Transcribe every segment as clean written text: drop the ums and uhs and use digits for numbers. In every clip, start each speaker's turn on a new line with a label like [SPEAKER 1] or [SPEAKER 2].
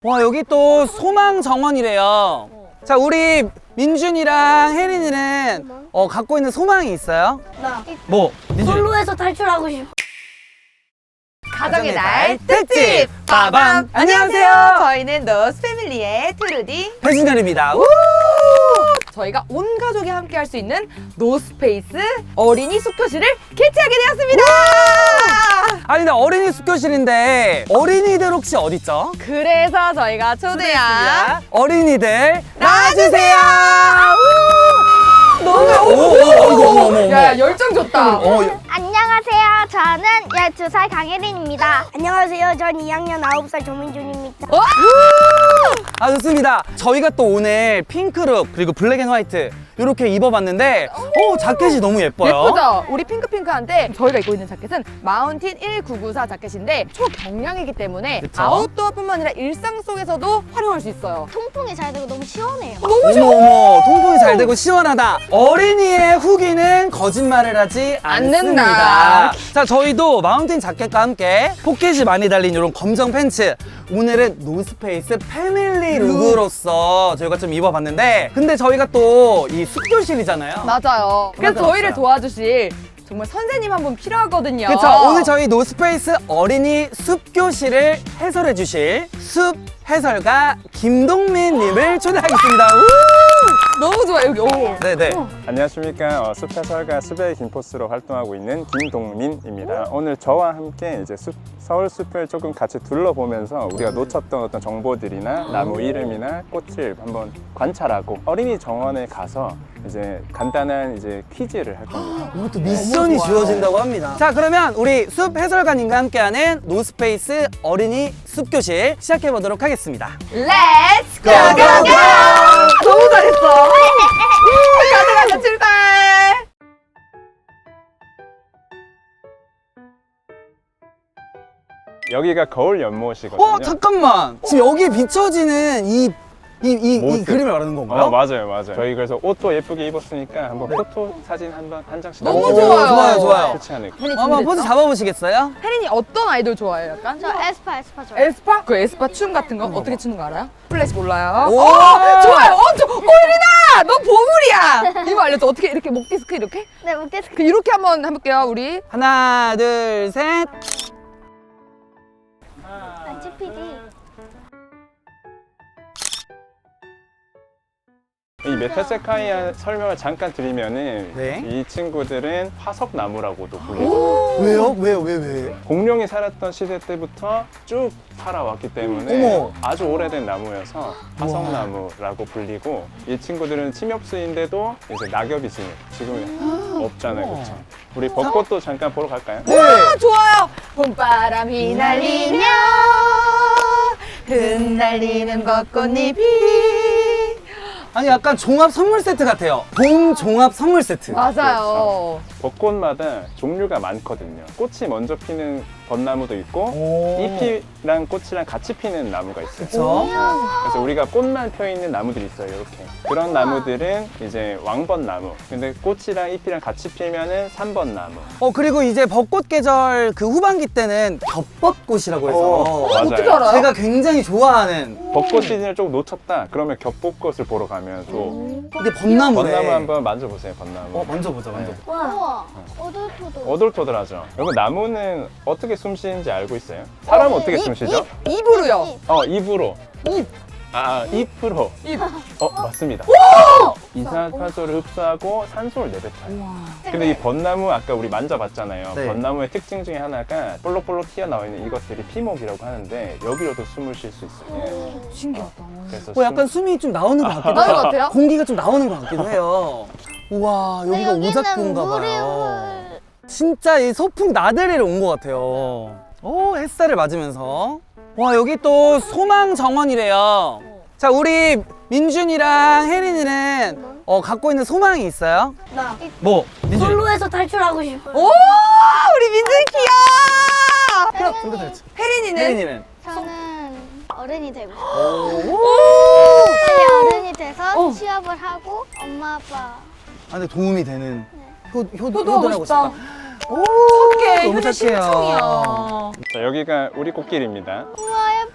[SPEAKER 1] 와, 여기 또 소망 정원이래요. 자, 우리 민준이랑 혜린이는 갖고 있는 소망이 있어요?
[SPEAKER 2] 나
[SPEAKER 1] 뭐? 민준.
[SPEAKER 2] 솔로에서 탈출하고 싶어.
[SPEAKER 3] 가정의 날 특집!
[SPEAKER 1] 빠밤!
[SPEAKER 3] 안녕하세요. 저희는 노스 패밀리의 트루디.
[SPEAKER 1] 배진열입니다.
[SPEAKER 3] 저희가 온 가족이 함께 할 수 있는 노스페이스 어린이 숙교실을 개최하게 되었습니다.
[SPEAKER 1] 아니, 근데 어린이 숙교실인데 어린이들 혹시 어딨죠?
[SPEAKER 3] 그래서 저희가 초대한
[SPEAKER 1] 어린이들
[SPEAKER 3] 나와주세요.
[SPEAKER 1] 너무
[SPEAKER 3] 야, 열정 좋다.
[SPEAKER 2] 안녕하세요. 저는 12살 강혜린입니다. 안녕하세요. 전 2학년 9살 조민준입니다.
[SPEAKER 1] 아, 좋습니다. 저희가 또 오늘 핑크룩 그리고 블랙 앤 화이트 이렇게 입어봤는데 자켓이 너무 예뻐요.
[SPEAKER 3] 예쁘죠? 우리 핑크핑크한데 저희가 입고 있는 자켓은 마운틴 1994 자켓인데 초경량이기 때문에
[SPEAKER 1] 그쵸?
[SPEAKER 3] 아웃도어뿐만 아니라 일상 속에서도 활용할 수 있어요.
[SPEAKER 2] 통풍이 잘 되고 너무 시원해요.
[SPEAKER 1] 어머, 통풍이 잘 되고 시원하다. 어린이의 후기는 거짓말을 하지 않는다.
[SPEAKER 3] 않는다.
[SPEAKER 1] 자, 저희도 마운틴 자켓과 함께 포켓이 많이 달린 이런 검정 팬츠. 오늘은 노스페이스 패밀리 룩으로서 저희가 좀 입어봤는데, 근데 저희가 또 이 숙교실이잖아요.
[SPEAKER 3] 맞아요. 그래서
[SPEAKER 1] 맞아,
[SPEAKER 3] 저희를
[SPEAKER 1] 맞아.
[SPEAKER 3] 도와주실 정말 선생님 한 분 필요하거든요.
[SPEAKER 1] 그쵸. 오늘 저희 노스페이스 어린이 숲교실을 해설해 주실 숲 해설가 김동민님을 초대하겠습니다.
[SPEAKER 3] 너무 좋아요. 여기. 오.
[SPEAKER 1] 네네.
[SPEAKER 4] 안녕하십니까. 숲 해설가 숲의 김포스로 활동하고 있는 김동민입니다. 오늘 저와 함께 이제 서울 숲을 조금 같이 둘러보면서 우리가 놓쳤던 어떤 정보들이나 나무 이름이나 꽃을 한번 관찰하고 어린이 정원에 가서 이제 간단한 이제 퀴즈를 할 겁니다.
[SPEAKER 1] 이것도 미션이
[SPEAKER 3] 좋아요.
[SPEAKER 1] 주어진다고 합니다. 자, 그러면 우리 숲 해설가님과 함께하는 노스페이스 어린이 숲교실 시작해 보도록 하겠습니다.
[SPEAKER 3] 렛츠 고!
[SPEAKER 1] 고, 고, 고!
[SPEAKER 3] 너무 잘했어. 가자 출발.
[SPEAKER 4] 여기가 거울 연못이거든요.
[SPEAKER 1] 잠깐만. 지금 여기에 비춰지는 이
[SPEAKER 4] 모습.
[SPEAKER 1] 그림을 말하는 건가요?
[SPEAKER 4] 맞아요. 저희 그래서 옷도 예쁘게 입었으니까 한번 포토 사진 한 장씩
[SPEAKER 3] 너무
[SPEAKER 4] 남겨주세요.
[SPEAKER 3] 좋아요.
[SPEAKER 1] 좋아요.
[SPEAKER 4] 그렇지 않을까?
[SPEAKER 3] 혜린이
[SPEAKER 1] 한번 포즈 잡아보시겠어요?
[SPEAKER 3] 혜린이 어떤 아이돌 좋아해요? 약간?
[SPEAKER 2] 저 에스파 좋아요.
[SPEAKER 3] 에스파? 그 에스파 춤 같은 거 어떻게 추는 거 알아요? 플래시 몰라요?
[SPEAKER 1] 오!
[SPEAKER 3] 좋아요. 혜린아! 너 보물이야! 이거 알려줘. 어떻게 이렇게 목 디스크 이렇게?
[SPEAKER 2] 네, 목데스크.
[SPEAKER 3] 그 이렇게 한번 해볼게요, 우리.
[SPEAKER 1] 하나, 둘, 셋.
[SPEAKER 2] PD.
[SPEAKER 4] 이 메타세카이아 설명을 잠깐 드리면은
[SPEAKER 1] 네.
[SPEAKER 4] 이 친구들은 화석나무라고도 불리고
[SPEAKER 1] 왜요?
[SPEAKER 4] 공룡이 살았던 시대 때부터 쭉 살아왔기 때문에
[SPEAKER 1] 어머.
[SPEAKER 4] 아주 오래된 나무여서 화석나무라고 불리고 이 친구들은 침엽수인데도 이제 낙엽이 지금은 없잖아요, 그렇죠? 우리 벚꽃도 잠깐 보러 갈까요?
[SPEAKER 3] 아, 좋아요. 봄바람이 날리며 흩날리는 벚꽃잎이.
[SPEAKER 1] 아니, 약간 종합 선물 세트 같아요. 봄 종합 선물 세트.
[SPEAKER 3] 맞아요.
[SPEAKER 4] 벚꽃마다 종류가 많거든요. 꽃이 먼저 피는 벚나무도 있고
[SPEAKER 1] 오.
[SPEAKER 4] 잎이랑 꽃이랑 같이 피는 나무가 있어요.
[SPEAKER 1] 그쵸?
[SPEAKER 4] 그래서 우리가 꽃만 펴 있는 나무들이 있어요, 이렇게. 그런 나무들은 이제 왕벚나무. 근데 꽃이랑 잎이랑 같이 피면은 삼벚나무.
[SPEAKER 1] 그리고 이제 벚꽃 계절 그 후반기 때는 겹벚꽃이라고 해서
[SPEAKER 4] 맞아요.
[SPEAKER 3] 어떻게 알아요?
[SPEAKER 1] 제가 굉장히 좋아하는
[SPEAKER 4] 벚꽃 시즌을 조금 놓쳤다? 그러면 겹벚꽃을 보러 가면 또
[SPEAKER 1] 이게 벚나무래.
[SPEAKER 4] 벚나무 한번 만져보세요, 벚나무.
[SPEAKER 1] 만져보자.
[SPEAKER 2] 우와. 오돌토돌.
[SPEAKER 4] 오돌토돌하죠. 여러분, 나무는 어떻게 숨 쉬는지 알고 있어요? 사람은 어떻게 숨 쉬죠?
[SPEAKER 3] 입으로요.
[SPEAKER 4] 입으로.
[SPEAKER 3] 입.
[SPEAKER 4] 입으로. 맞습니다. 이산화탄소를 흡수하고 산소를 내뱉어요. 근데 이 벚나무 아까 우리 만져봤잖아요.
[SPEAKER 1] 네.
[SPEAKER 4] 벚나무의 특징 중에 하나가 볼록볼록 튀어나와 있는 이것들이 피목이라고 하는데 여기로도 숨을 쉴 수 있어요.
[SPEAKER 3] 신기하다.
[SPEAKER 4] 그래서
[SPEAKER 1] 약간 숨이 좀 나오는 것 같기도
[SPEAKER 3] 나오는
[SPEAKER 1] 해요.
[SPEAKER 3] 것 같아요?
[SPEAKER 1] 공기가 좀 나오는 것 같기도 해요. 우와, 여기가 오작교인가 봐요. 진짜 이 소풍 나들이를 온 것 같아요. 햇살을 맞으면서. 와, 여기 또 소망 정원이래요. 자, 우리 민준이랑 혜린이는 갖고 있는 소망이 있어요?
[SPEAKER 2] 나
[SPEAKER 1] 뭐? 민준이.
[SPEAKER 2] 솔로에서 탈출하고 싶어.
[SPEAKER 3] 오, 우리 민준이 귀여워. 그럼 혜린이는?
[SPEAKER 1] 혜린이는?
[SPEAKER 2] 저는 어른이 되고 싶어.
[SPEAKER 1] 오.
[SPEAKER 2] 빨리 어른이 돼서 취업을 하고 엄마 아빠
[SPEAKER 1] 근데 도움이 되는
[SPEAKER 3] 효도하고
[SPEAKER 1] 효도하고
[SPEAKER 3] 싶다.
[SPEAKER 1] 싶다.
[SPEAKER 3] 착해.
[SPEAKER 1] 너무
[SPEAKER 3] 현재
[SPEAKER 1] 착해요.
[SPEAKER 3] 심청이야.
[SPEAKER 4] 자, 여기가 우리 꽃길입니다.
[SPEAKER 2] 우와 예쁘다.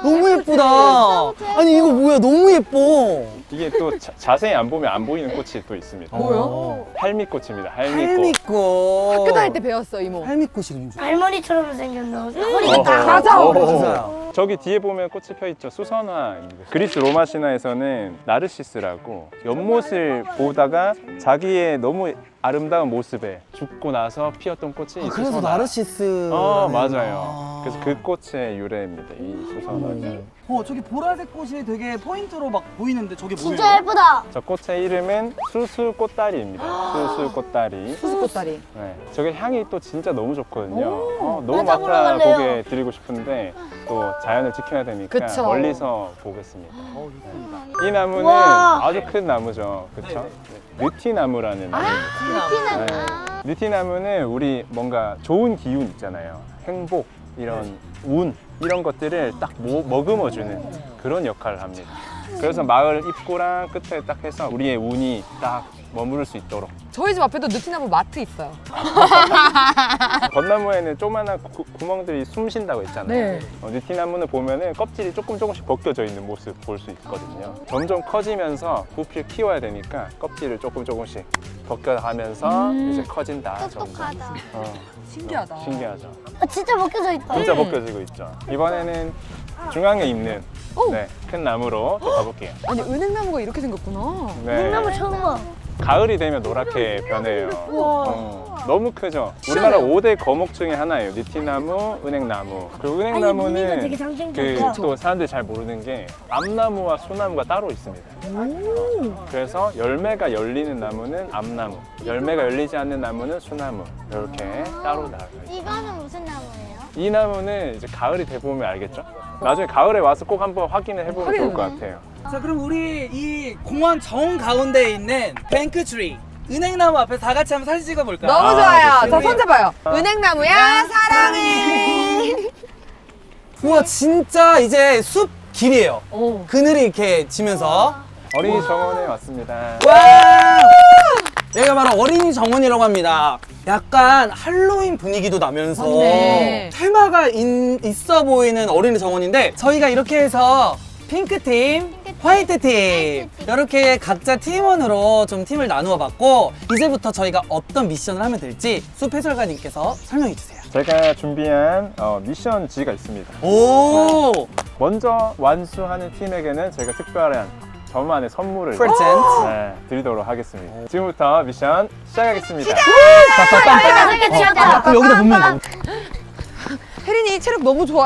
[SPEAKER 1] 너무 예쁘다. 아니 이거 뭐야? 너무 예뻐.
[SPEAKER 4] 이게 또 자세히 안 보면 안 보이는 꽃이 또 있습니다.
[SPEAKER 3] 뭐요?
[SPEAKER 4] 할미꽃입니다. 할미꽃.
[SPEAKER 1] 할미꽃.
[SPEAKER 3] 학교 다닐 때 배웠어 이모.
[SPEAKER 1] 할미꽃이 왠지.
[SPEAKER 2] 할머니처럼 생겼나?
[SPEAKER 4] 어허,
[SPEAKER 3] 맞아.
[SPEAKER 1] 맞아요.
[SPEAKER 4] 저기 뒤에 보면 꽃이 펴 있죠. 수선화입니다. 그리스 로마 신화에서는 나르시스라고 연못을 보다가 자기의 너무 아름다운 모습에 죽고 나서 피었던 꽃이 이
[SPEAKER 1] 그래서
[SPEAKER 4] 수선화.
[SPEAKER 1] 나르시스.
[SPEAKER 4] 맞아요. 그래서 그 꽃의 유래입니다. 이 수선화가.
[SPEAKER 1] 저기 보라색 꽃이 되게 포인트로 막 보이는데 저게 뭐예요?
[SPEAKER 2] 진짜 예쁘다.
[SPEAKER 4] 저 꽃의 이름은 수술꽃다리입니다. 수술꽃다리.
[SPEAKER 3] 수수꽃다리.
[SPEAKER 4] 네, 저게 향이 또 진짜 너무 좋거든요. 너무
[SPEAKER 2] 맞아,
[SPEAKER 4] 맡아
[SPEAKER 2] 올라갈래요.
[SPEAKER 4] 보게 드리고 싶은데 또 자연을 지켜야 되니까
[SPEAKER 3] 그쵸.
[SPEAKER 4] 멀리서 보겠습니다. 이 나무는
[SPEAKER 2] 우와.
[SPEAKER 4] 아주 큰 나무죠. 그렇죠? 느티나무라는 나무.
[SPEAKER 2] 티나.
[SPEAKER 4] 네. 느티나무는 우리 뭔가 좋은 기운 있잖아요. 행복, 이런 운 이런 것들을 딱 머금어주는 그런 역할을 합니다. 그래서 마을 입구랑 끝에 딱 해서 우리의 운이 딱 머무를 수 있도록.
[SPEAKER 3] 저희 집 앞에도 느티나무 마트 있어요.
[SPEAKER 4] 벚나무에는 조그마한 구멍들이 숨 쉰다고 했잖아요.
[SPEAKER 3] 네.
[SPEAKER 4] 느티나무는 보면은 껍질이 조금씩 벗겨져 있는 모습 볼 수 있거든요. 점점 커지면서 부피를 키워야 되니까 껍질을 조금씩 벗겨가면서 이제 커진다. 점점.
[SPEAKER 2] 똑똑하다.
[SPEAKER 3] 신기하다.
[SPEAKER 4] 신기하죠.
[SPEAKER 2] 진짜 벗겨져 있다.
[SPEAKER 4] 진짜 벗겨지고 있죠. 이번에는 중앙에 있는 네, 큰 나무로 또 가볼게요.
[SPEAKER 3] 아니 은행나무가 이렇게 생겼구나.
[SPEAKER 4] 네.
[SPEAKER 2] 나무 처음 봐.
[SPEAKER 4] 가을이 되면 노랗게 변해요. 너무 크죠? 우리나라 5대 거목 중에 하나예요. 느티나무, 은행나무. 그리고
[SPEAKER 2] 무늬가
[SPEAKER 4] 은행나무는
[SPEAKER 2] 되게 상징적이야.
[SPEAKER 4] 또 사람들이 잘 모르는 게 암나무와 소나무가 따로 있습니다. 그래서 열매가 열리는 나무는 암나무, 열매가 열리지 않는 나무는 소나무. 이렇게 따로 나가요.
[SPEAKER 2] 이거는 무슨 나무예요?
[SPEAKER 4] 이 나무는 이제 가을이 돼보면 알겠죠? 나중에 가을에 와서 꼭 한번 확인을 해보면 좋을 것 같아요.
[SPEAKER 1] 자 그럼 우리 이 공원 정 가운데에 있는 뱅크트리 은행나무 앞에 다 같이 한번 사진 찍어볼까요?
[SPEAKER 3] 너무
[SPEAKER 4] 아,
[SPEAKER 3] 좋아요.
[SPEAKER 4] 좋습니다.
[SPEAKER 3] 자 손잡아요. 은행나무야 사랑해.
[SPEAKER 1] 우와 진짜 이제 숲 길이에요.
[SPEAKER 3] 오.
[SPEAKER 1] 그늘이 이렇게 지면서
[SPEAKER 4] 어린이 정원에 왔습니다.
[SPEAKER 1] 와! 여기가 바로 어린이 정원이라고 합니다. 약간 할로윈 분위기도 나면서
[SPEAKER 3] 맞네.
[SPEAKER 1] 테마가 있어 보이는 어린이 정원인데 저희가 이렇게 해서 핑크팀, 화이트팀 이렇게 각자 팀원으로 좀 팀을 나누어 봤고 이제부터 저희가 어떤 미션을 하면 될지 숲 해설가님께서 설명해 주세요.
[SPEAKER 4] 제가 준비한 미션 G가 있습니다.
[SPEAKER 1] 오!
[SPEAKER 4] 먼저 완수하는 팀에게는 제가 특별한 저만의 선물을
[SPEAKER 1] 프레젠트.
[SPEAKER 4] 네, 드리도록 하겠습니다. 지금부터 미션 시작하겠습니다.
[SPEAKER 1] 그럼 여기다 보면
[SPEAKER 3] 혜린이 체력 너무 좋아요.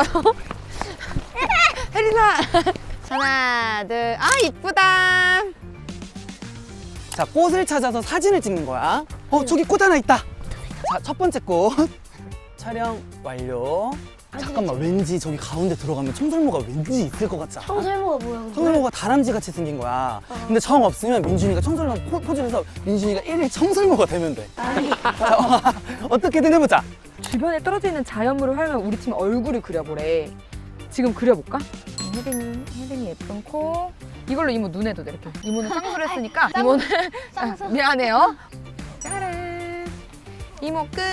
[SPEAKER 3] 혜린아. 하나 둘. 아 이쁘다.
[SPEAKER 1] 자 꽃을 찾아서 사진을 찍는 거야. 저기 꽃 하나 있다. 자 첫 번째 꽃 촬영 완료. 잠깐만 왠지 저기 가운데 들어가면 청설모가 왠지 있을 것 같지 않아?
[SPEAKER 2] 청설모가 뭐야?
[SPEAKER 1] 청설모가 다람쥐 같이 생긴 거야. 근데 정 없으면 민준이가 청설모 포즈를 해서 민준이가 1일 청설모가 되면 돼. 자, 어떻게든 해보자.
[SPEAKER 3] 주변에 떨어져 있는 자연물을 활용해 우리 팀 얼굴을 그려보래. 지금 그려볼까? 혜린이 예쁜 코. 이걸로 이모 눈 해도 돼 이렇게. 이모는 쌍수를 했으니까 이모는 아, 미안해요. 짜란. 이모 끝.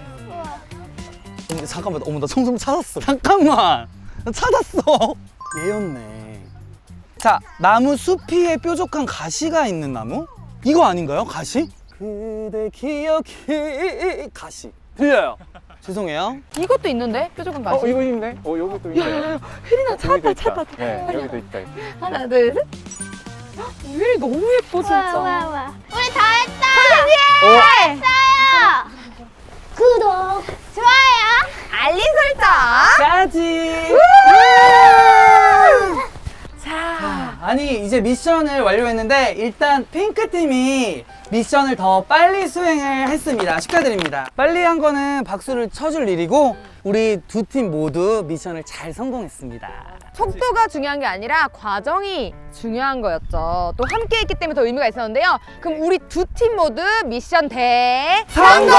[SPEAKER 1] 근데 잠깐만, 어머 나 청설모 찾았어. 잠깐만, 나 찾았어. 얘였네. 자, 나무 숲이에 뾰족한 가시가 있는 나무? 이거 아닌가요? 가시? 그대 기억이 가시. 들려요? 죄송해요.
[SPEAKER 3] 이것도 있는데 뾰족한 가시.
[SPEAKER 4] 이거 있네. 여기도 있네.
[SPEAKER 3] 혜린아 찾았다.
[SPEAKER 4] 네, 여기도 있다.
[SPEAKER 3] 하나 둘 셋. 혜린이 너무 예뻐 진짜.
[SPEAKER 2] 와. 우리 다 했다.
[SPEAKER 4] 오!
[SPEAKER 2] 했어요. 구독, 좋아요,
[SPEAKER 3] 알림 설정.
[SPEAKER 1] 까지.
[SPEAKER 3] 자.
[SPEAKER 1] 아니 이제 미션을 완료했는데 일단 핑크팀이 미션을 더 빨리 수행을 했습니다. 축하드립니다. 빨리 한 거는 박수를 쳐줄 일이고 우리 두 팀 모두 미션을 잘 성공했습니다.
[SPEAKER 3] 속도가 중요한 게 아니라 과정이 중요한 거였죠. 또 함께 했기 때문에 더 의미가 있었는데요. 그럼 우리 두 팀 모두 미션
[SPEAKER 1] 성공!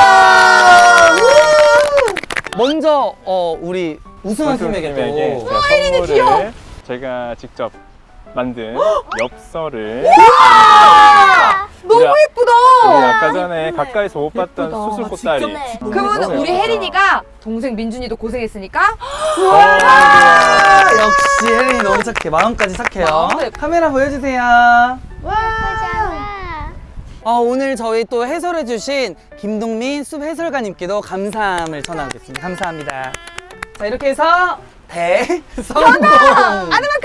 [SPEAKER 1] 먼저 우리 우승한 팀에게
[SPEAKER 4] 팀에게
[SPEAKER 1] 또
[SPEAKER 4] 제가 선물을 제가 직접 만든 엽서를
[SPEAKER 3] 너무
[SPEAKER 4] 우리
[SPEAKER 3] 예쁘다.
[SPEAKER 4] 아까 전에 가까이서 못 봤던
[SPEAKER 3] 예쁘다.
[SPEAKER 4] 수술꽃다리.
[SPEAKER 2] 직접
[SPEAKER 3] 그러면 우리 혜린이가 동생 민준이도 고생했으니까
[SPEAKER 1] 와, 역시 역시 혜린이 너무 착해. 마음까지 착해요.
[SPEAKER 3] 마음도 예뻐.
[SPEAKER 1] 카메라 보여주세요.
[SPEAKER 2] 보자.
[SPEAKER 1] 오늘 저희 또 해설해주신 김동민 숲 해설가님께도 감사함을 전하겠습니다. 감사합니다. 자, 이렇게 해서 대성공!
[SPEAKER 3] 아드마